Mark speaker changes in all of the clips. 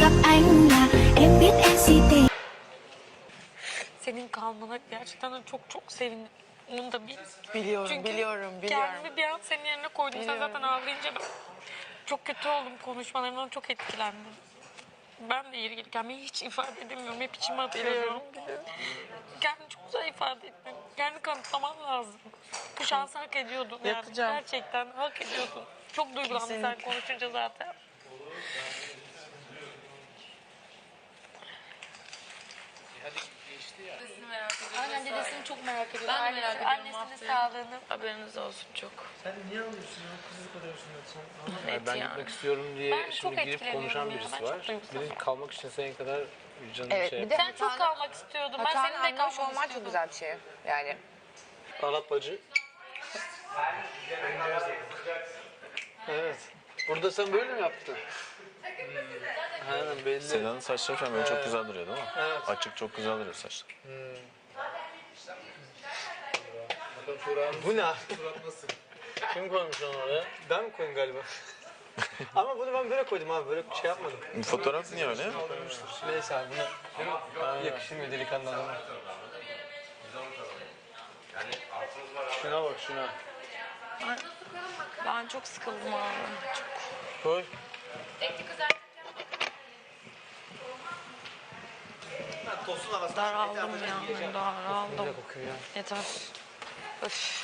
Speaker 1: gặp anh là em biết em si tình.
Speaker 2: Senin kalmana gerçekten de çok sevindim. Onu da bil.
Speaker 3: Biliyorum,
Speaker 2: Çünkü
Speaker 3: biliyorum.
Speaker 2: kendimi bir an senin yerine koydum. Sen zaten ağlayınca ben çok kötü oldum konuşmalarından, çok etkilendim. Ben de yeri gelirken hiç ifade edemiyorum. Hep içime atıyorum. Kendini çok güzel ifade ettin. Kendini kanıtlaman lazım. Bu şansı hak ediyordun yani.
Speaker 3: Yapacağım.
Speaker 2: Gerçekten hak ediyordun. Çok duygulandım sen konuşunca zaten. Aynen, dedesini çok merak ediyorum.
Speaker 4: Ben de merak ediyorum
Speaker 2: Annesinin
Speaker 4: haftaya.
Speaker 2: sağlığını.
Speaker 4: Haberiniz olsun çok.
Speaker 5: Sen niye alıyorsun ya? Kızı kalıyorsun sen.
Speaker 4: Net
Speaker 5: Ben
Speaker 4: yani.
Speaker 5: gitmek istiyorum diye
Speaker 2: Ben çok
Speaker 5: şimdi girip
Speaker 2: etkileniyorum
Speaker 5: konuşan
Speaker 2: ya.
Speaker 5: birisi
Speaker 2: Ben çok
Speaker 5: var.
Speaker 2: duygusalım.
Speaker 5: Benim kalmak için senin kadar canım
Speaker 3: Evet,
Speaker 5: şey.
Speaker 3: bir de
Speaker 2: Sen çok kalmak istiyordun. Ben
Speaker 3: hatanı
Speaker 2: senin de
Speaker 3: anlamış
Speaker 2: kalmak
Speaker 3: olman çok
Speaker 2: istiyordum.
Speaker 3: güzel bir şey. Yani
Speaker 5: Arap bacı. Evet. Burada sen böyle mi yaptın? Aynen belli.
Speaker 6: Seda'nın saçları falan böyle çok güzel duruyor değil mi?
Speaker 5: Evet.
Speaker 6: Açık çok güzel duruyor saçlar.
Speaker 5: Bu ne? Kim koymuş onu oraya? Ben mi koydum galiba? Ama bunu ben böyle koydum abi. Böyle şey yapmadım.
Speaker 6: Bu fotoğraf niye öyle?
Speaker 5: Neyse abi buna yakışır mı delikanlı adama? Şuna bak şuna.
Speaker 4: Ben çok sıkıldım abi. Çok.
Speaker 5: Koy.
Speaker 4: Daraldım ya. Daraldım.
Speaker 5: Ne kokuyor ya?
Speaker 4: Yeter. Öf.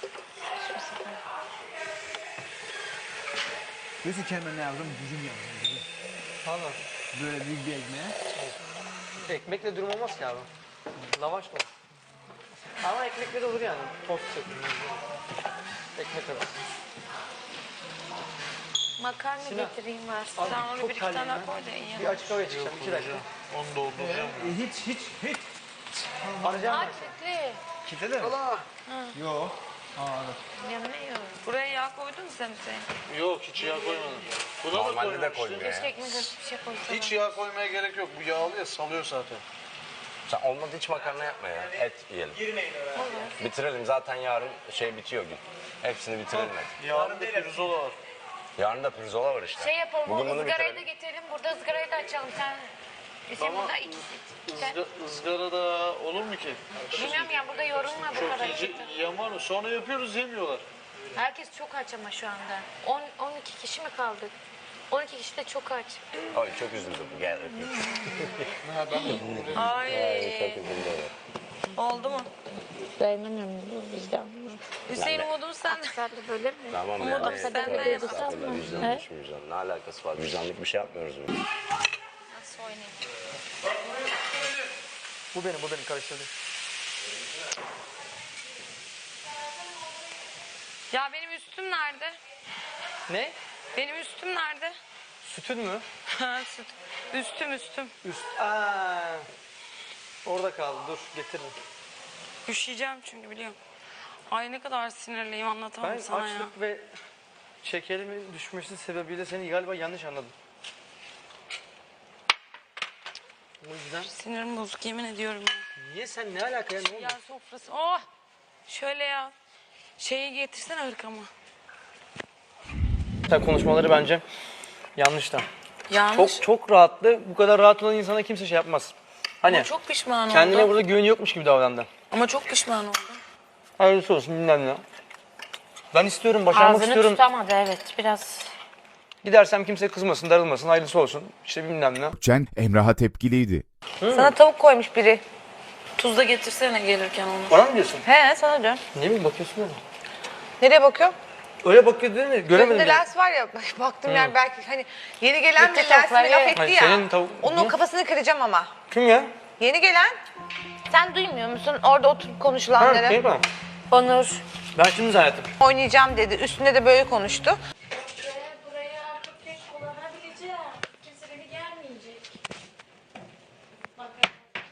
Speaker 7: Diyorsun kendime ne yazdım? Dürüm yazdım. Dürüm.
Speaker 5: Valla.
Speaker 7: Böyle büyük bir ekmeğe.
Speaker 5: Ekmekle durum olmaz ki abi. Lavaş mı? Ama ekmekle de olur yani. Tost şeklinde. Ekmek arası.
Speaker 2: Makarna
Speaker 5: Sinan,
Speaker 2: getireyim versin.
Speaker 5: Abi
Speaker 4: Sen onu
Speaker 5: çok
Speaker 4: bir iki
Speaker 5: terliyim
Speaker 4: tane
Speaker 5: ben.
Speaker 4: koy da iyi.
Speaker 5: Bir açık havaya çıkacağım. 2 dakika.
Speaker 6: Onu dolduracağım.
Speaker 7: Hiç.
Speaker 5: Arayacağım ben.
Speaker 2: Kilitli.
Speaker 7: Kitle de mi?
Speaker 5: Allah.
Speaker 7: Yok.
Speaker 2: Yanına yiyorum.
Speaker 4: Buraya yağ koydun mu sen Hüseyin?
Speaker 5: Yok hiç yağ koymadım. Buna da
Speaker 8: Normalde de
Speaker 5: koymamıştım.
Speaker 8: koymuyor
Speaker 2: Keşke
Speaker 8: ya.
Speaker 2: ekmek arası bir şey koysana.
Speaker 5: Hiç yağ koymaya gerek yok. Bu yağlı ya salıyor zaten.
Speaker 8: Sen olmadı hiç makarna yapma ya. Et yiyelim. Bitirelim zaten yarın şey bitiyor gün. Hepsini bitirelim hadi.
Speaker 5: Yarın da pirzola var.
Speaker 8: Yarın da pirzola var işte.
Speaker 2: Şey yapalım,
Speaker 8: Bugün
Speaker 2: o
Speaker 8: bunu
Speaker 2: ızgarayı da
Speaker 8: bitirelim.
Speaker 2: getirelim. Burada ızgarayı da açalım. Sen
Speaker 5: Ama
Speaker 2: burada sen,
Speaker 5: ızgara da olur mu ki?
Speaker 2: bilmiyorum ya, burada yorulma bu
Speaker 5: Çok
Speaker 2: kadar.
Speaker 5: iyice yaman. Sonra yapıyoruz yemiyorlar.
Speaker 2: Herkes çok aç ama şu anda. 12 kişi mi kaldık? 12 kişi de çok aç.
Speaker 8: Ay çok üzüldüm. Gel öpeyim.
Speaker 4: Ay.
Speaker 8: Çok üzüldüm.
Speaker 4: Oldu mu?
Speaker 2: Dayanamıyorum bu vicdan.
Speaker 4: Hüseyin umudum sende.
Speaker 2: Sen de böyle mi?
Speaker 8: Tamam
Speaker 4: Umut
Speaker 8: ya.
Speaker 4: sen de
Speaker 8: Estağfurullah vicdan düşün vicdan. Ne alakası var? Vicdanlık bir şey yapmıyoruz biz.
Speaker 2: Nasıl oynayayım?
Speaker 5: Bu benim karıştırdım.
Speaker 4: Ya benim üstüm nerede?
Speaker 5: Ne?
Speaker 4: Benim üstüm nerede?
Speaker 5: Sütün mü?
Speaker 4: Ha, süt. Üstüm.
Speaker 5: Üst. Orada kaldı. Dur getiririm.
Speaker 4: Üşüyeceğim çünkü biliyorum. Ay ne kadar sinirliyim, anlatamam
Speaker 5: Ben
Speaker 4: sana ya.
Speaker 5: açlık ve şekerimin düşmesi sebebiyle seni galiba yanlış anladım. O yüzden
Speaker 4: Sinirim bozuk, yemin ediyorum ya.
Speaker 5: niye sen ne alaka ya ne oldu?
Speaker 4: Ya sofrası. Oh! Şöyle ya. Şeyi getirsene hırkamı.
Speaker 5: Sen konuşmaları bence yanlış da.
Speaker 4: Yanlış.
Speaker 5: Çok rahattı. Bu kadar rahat olan insana kimse şey yapmaz. Hani
Speaker 4: Ama çok pişman
Speaker 5: kendine
Speaker 4: oldum.
Speaker 5: burada güveni yokmuş gibi davrandı.
Speaker 4: Ama çok pişman oldum.
Speaker 5: Hayırlısı olsun bilmem ne. Ben istiyorum, başarmak
Speaker 2: Ağzını
Speaker 5: istiyorum.
Speaker 2: tutamadı, evet, biraz.
Speaker 5: Gidersem kimse kızmasın, darılmasın, hayırlısı olsun. İşte bilmem ne.
Speaker 9: Cen Emrah'a tepkiliydi.
Speaker 4: Sana tavuk koymuş biri. Tuz da getirsene gelirken onu.
Speaker 5: Bana mı diyorsun?
Speaker 3: he sana dön.
Speaker 5: Ne bileyim bakıyorsun öyle.
Speaker 3: Nereye bakıyor?
Speaker 5: Öyle bakıyor değil mi? Göremedim.
Speaker 3: Gözünde
Speaker 5: bile.
Speaker 3: lens var ya, baktım yani belki hani yeni gelen bir lensine
Speaker 2: tavukları.
Speaker 3: laf etti
Speaker 5: Hayır,
Speaker 3: ya.
Speaker 5: senin tavuk-
Speaker 3: Onun
Speaker 5: Hı?
Speaker 3: kafasını kıracağım ama.
Speaker 5: Kim ya?
Speaker 3: Yeni gelen.
Speaker 2: Sen duymuyor musun orada oturup
Speaker 5: Ha,
Speaker 2: konuşulanları?
Speaker 5: şey mi?
Speaker 2: Onur.
Speaker 5: Ben şimdi zannettim.
Speaker 3: Oynayacağım dedi. Üstünde de böyle konuştu.
Speaker 10: Buraya artık tek kullanabileceğim. Kimse beni gelmeyecek. Bakın.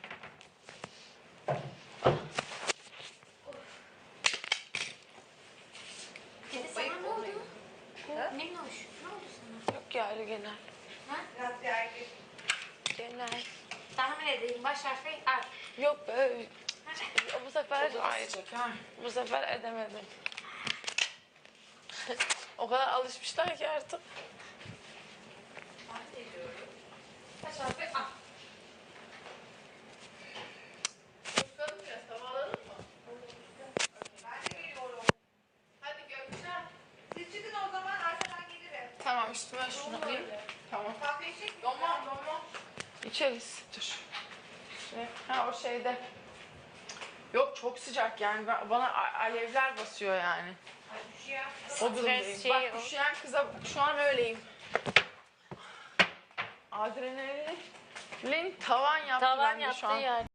Speaker 10: Dede sana ne oldu? Minnoş, ne oldu sana?
Speaker 4: Yok ya öyle genel.
Speaker 10: Ha?
Speaker 4: Genel.
Speaker 10: Tahmin edeyim, baş harfi R.
Speaker 4: Yok be. Bu sefer bu sefer edemedim. O kadar alışmışlar ki artık.
Speaker 3: Tamam üstüme şunu alayım. Tamam. Tamam. İçeriz. Dur. Ha o şeyde. Yok çok sıcak yani. Bana alevler basıyor yani. O durumdayım. Bak üşüyen kıza şu an öyleyim. Adrenalin tavan yaptı
Speaker 2: Tavan
Speaker 3: bende
Speaker 2: yaptığı
Speaker 3: şu an.
Speaker 2: yer.